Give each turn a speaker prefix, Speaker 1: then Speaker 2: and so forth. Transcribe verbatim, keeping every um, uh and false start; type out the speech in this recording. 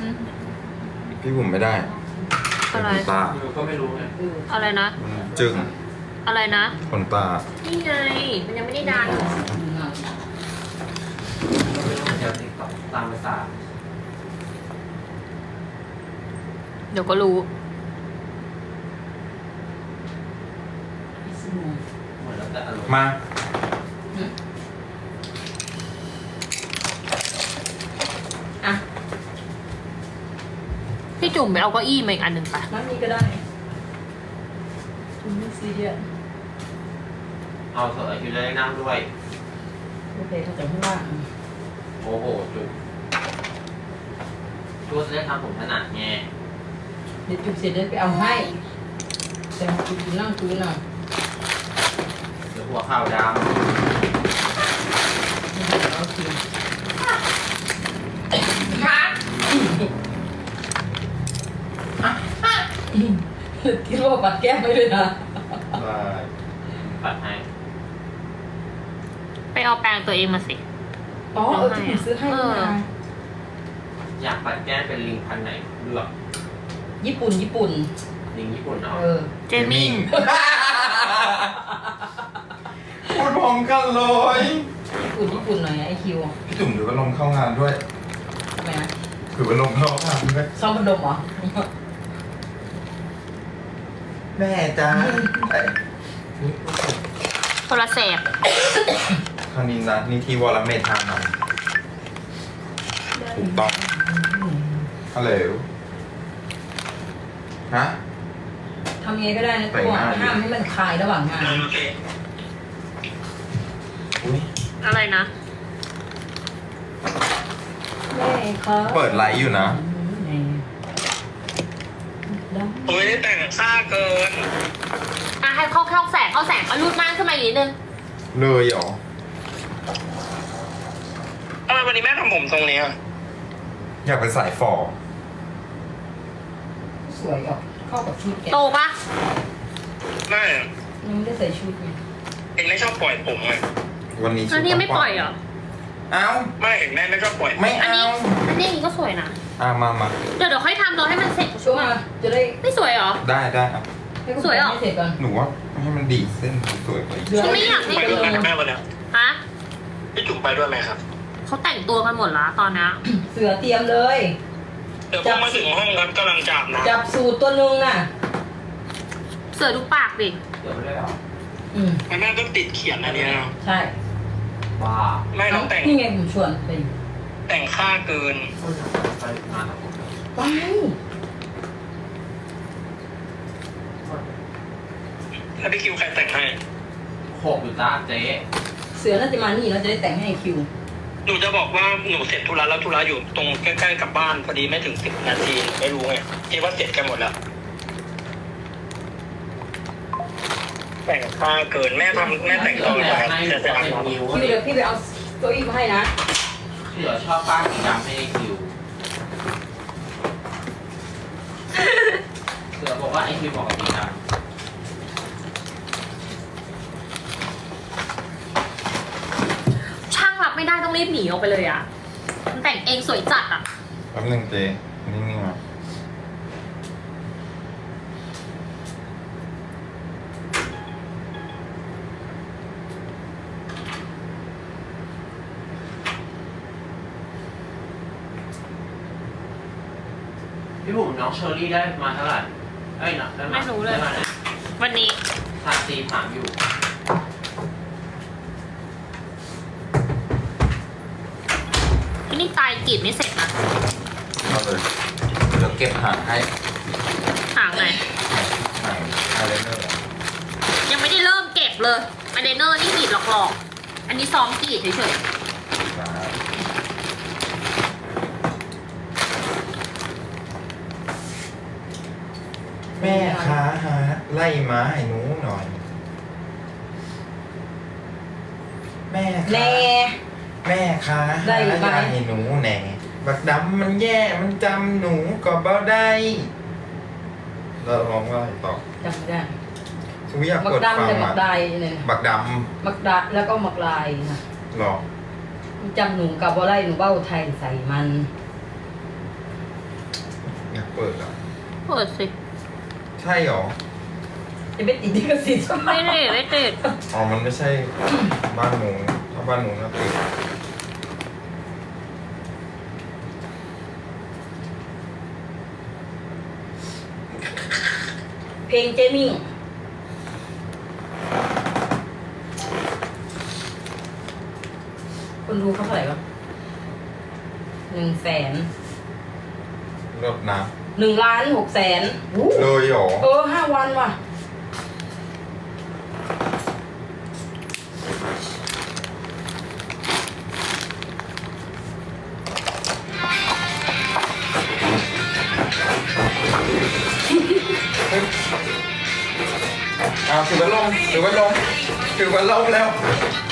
Speaker 1: พี่บุ๋มไม่ได้
Speaker 2: อะไร
Speaker 1: ขนตา
Speaker 3: หนูก็ไม่รู้ไง
Speaker 2: อะไรนะ
Speaker 1: มันจึง
Speaker 2: อะไรนะ
Speaker 1: ขนตา
Speaker 2: นี่ไง มันยังไม่ได้ดัน
Speaker 3: เราไม่รู้เดี๋ยวติ๊กต็อกตามภาษา
Speaker 2: เดี๋ยวก็รู้
Speaker 3: เหมือนแล้วแต่อารมณ์
Speaker 1: มา
Speaker 4: อ่ะ
Speaker 2: พี่จุ่มไปเอาเก้าอี้มาอีกอันหนึ่งไป
Speaker 4: นั่นนี่ก็ได้คุณไม่ซีเรียส
Speaker 3: เอาเถอะคิวจะได้นั่งด้วย
Speaker 4: โอเคเขาจะข้างล่าง
Speaker 3: โอ้โหจุกจุกจะได้ทำผมถนัดไง
Speaker 4: เดี๋ยวจุกเสร็จเดี๋ยวไปเอาให้ แต่จุกอยู่นั่งพื้นอ่ะ
Speaker 3: เดี๋ยวหัวเข่าด
Speaker 4: โอเคคิดว่าปัดแก้มไม่เลยนะ
Speaker 1: ได้
Speaker 3: ำปัดให้
Speaker 2: ไปเอาแปรงตัวเองมาสิ
Speaker 4: อ๋อเออที่ผมซื้อให้นี่นะ
Speaker 3: อยากปัดแก้มเป็นลิงพันธุ์ไหนเลือก
Speaker 4: ญี่ปุ่นญี่ปุ่น
Speaker 3: ลิงญี่ปุ่นเนาะ
Speaker 4: เออ
Speaker 2: เจมิ่ง
Speaker 1: พูดพร้อมกันเลย
Speaker 4: ญี่ปุ่นญี่ปุ่นหน่อยไอคิว
Speaker 1: พี่จุ๋มถือว่าลมเข้างานด้วย
Speaker 4: ทำไมนะ
Speaker 1: ถือว่าลมเข้างานด้วย
Speaker 4: ซ่อมพัดลมเหรอ
Speaker 1: แม่จ้า
Speaker 2: โทรศัพท์
Speaker 1: คราวนี้นะนี่ทีวอลเมททางนั้นถูกต้องฮัลโหลฮะ
Speaker 4: ทำยังไงก็ได้นะ
Speaker 1: แต่
Speaker 4: ตัว
Speaker 1: งหน้าอยู่
Speaker 4: ห้ามให้มันคลายระหว่างงาน
Speaker 1: อุ้ย
Speaker 2: อะไรนะ
Speaker 4: แม่ครับ
Speaker 1: เปิดไลฟ์อยู่นะ
Speaker 5: ผมไม่ได้แต่งซ่าเกิน
Speaker 2: อ่ะให้เข้าเข้าแสงเข้าแสงเอารูดม่านขึ้นมาอีกนิดนึง
Speaker 1: เลยเหรอ
Speaker 5: ทำไมวันนี้แม่ทำผมทรงนี้อ่ะ
Speaker 1: อยากเป็นสายฝอ
Speaker 4: สวยอ่ะเข้ากับชุดแก
Speaker 2: โตปะ
Speaker 5: ไม่
Speaker 4: ยังไม่ได้ใส่ชุดไง
Speaker 5: เห็นไม่ชอบปล่อยผมไง
Speaker 1: วันนี้
Speaker 2: แล้วนี่ยังไม่ปล่อยเหรอ
Speaker 1: เอ้า
Speaker 5: ไม่เห็นแม่ไม่ชอบปล่อย
Speaker 1: ไม่
Speaker 2: อัน
Speaker 1: เอา
Speaker 2: นี้ อันนี้อย่างนี้ก็สวยนะ
Speaker 1: อ่ะมามา
Speaker 2: เดี๋ยวเดี๋ยวค่อยทำเราให้มันเสร็จ
Speaker 4: ช่วงมาจะได้
Speaker 2: ไม่สวยเหรอ
Speaker 1: ได้ได้อ่ะ
Speaker 4: ให้คุณ
Speaker 2: สวยเหรอ
Speaker 4: ให้เสร็จก่อน
Speaker 1: หนูว่าให้มันดีดเส้นสวยๆไป
Speaker 2: ฉันไม่อยากให้
Speaker 5: ไปด้วยไหมแม่วันเนี้ย
Speaker 2: ฮะ
Speaker 5: พี่จุ๋มไปด้วยไหมครับ
Speaker 2: เขาแต่งตัวกันหมดละตอนนี้
Speaker 4: เสือเตรียมเลย
Speaker 5: เดี๋ยวผมมาถึงห้องครับกำลังจับนะ
Speaker 4: จับสูตรตัวหนึงน่ะ
Speaker 2: เสือดูปากดิ
Speaker 3: เดี๋ยวไม่ได้หรอ
Speaker 4: อืม
Speaker 5: แม่ต้องติดเขียนอันเนี้ยนะ
Speaker 4: ใช่
Speaker 3: บ้า
Speaker 5: แม่ต้องแต่ง
Speaker 4: นี่ไงผมชวนไป
Speaker 5: แต่งค่าเกิน
Speaker 3: คนไปงานกับผม
Speaker 4: ไป
Speaker 5: แล้วพี่คิวใครแต่งให้
Speaker 3: โขกอยู่จ้าเจ๊
Speaker 4: เสือน่าจะมานี่เราจะได้แต่งให้คิว
Speaker 5: หนูจะบอกว่าหนูเสร็จธุระแล้วธุระอยู่ตรงใกล้ๆกับบ้านพอดีไม่ถึงสิบนาทีไม่รู้ไงคิดว่าเสร็จกันหมดแล้ว แต่งค่าเกินแม่ทำแม่แต่งต่อเลยครับ
Speaker 3: ให้
Speaker 5: จะจะ
Speaker 3: เป็น
Speaker 5: ทำ
Speaker 3: นิ้ว
Speaker 4: คิวเดี๋ยวพี่ไปเอาเก้าอี้มาให้นะ
Speaker 3: เดี๋ยวชอบป้าสีดำให้คิวเสือบอกว่าไอคิวบอกกับสีดำ
Speaker 2: ช่างรับไม่ได้ต้องรีบหนีออกไปเลยอ่ะ มันแต่งเองสวยจัดอ่ะ
Speaker 1: แป๊บนึงเจ๊นิ่งๆมา
Speaker 3: พี่บุ๋มน้องเชอรี่ได้มาเท่าไหร่เอ้ยนะได้มา
Speaker 2: ไม่รู้เลย
Speaker 3: ได้มาไหน
Speaker 2: วันนี้
Speaker 3: ทาซีถามอยู่
Speaker 2: นี่ตายกรีดไม่เสร็จนะ
Speaker 1: เอาเลยเดี๋ยวเก็บหางให้
Speaker 2: หางไหน
Speaker 1: หางไฮไลเนอร์
Speaker 2: ยังไม่ได้เริ่มเก็บเลยอันเดนเนอร์นี่กรีดหลอกๆ อันนี้ซ้อมกรีดเฉย
Speaker 1: แม่ค้าหาไล่ม้าให้หนูหน่อย แม่
Speaker 4: แน่
Speaker 1: ค้าแม่ค้า
Speaker 4: ได้
Speaker 1: หา
Speaker 4: อยู่ไหม
Speaker 1: ยาให้หนูแหน่บักดำมันแย่มันจำหนูก็บ่ได้เราลองว่าต่อ
Speaker 4: จำไม่ได้
Speaker 1: ทุกอยาก
Speaker 4: มัก
Speaker 1: กด
Speaker 4: ดำ
Speaker 1: ฟัง
Speaker 4: แต่มั
Speaker 1: อ่ะ
Speaker 4: กลายเนี่ย
Speaker 1: บักด
Speaker 4: มักดาแล้วก็มักลายนะ
Speaker 1: ำหรอ
Speaker 4: จำหนูกับว่าไรหนูเบ้าไทยใส่มัน
Speaker 2: เปิดสิ
Speaker 1: ใช่หรอ
Speaker 4: จะไม่ติดที่กระสิทธิ์
Speaker 2: ไม่ติดไม่ติด
Speaker 1: อ๋อ มันไม่ใช่บ้านหนูถ้าบ้านหนูนะติด
Speaker 4: เพลงเจมิ่งคนดูเขาเท่าไหร่วะหนึ่งแสน
Speaker 1: เลิศนะ
Speaker 4: หนึ่งล้านหกแสน
Speaker 1: เลยหรอ
Speaker 4: เออห้าวันว่ะ
Speaker 1: อ้าวถือว่าลงถือว่าลงถือว่าลงแล้ว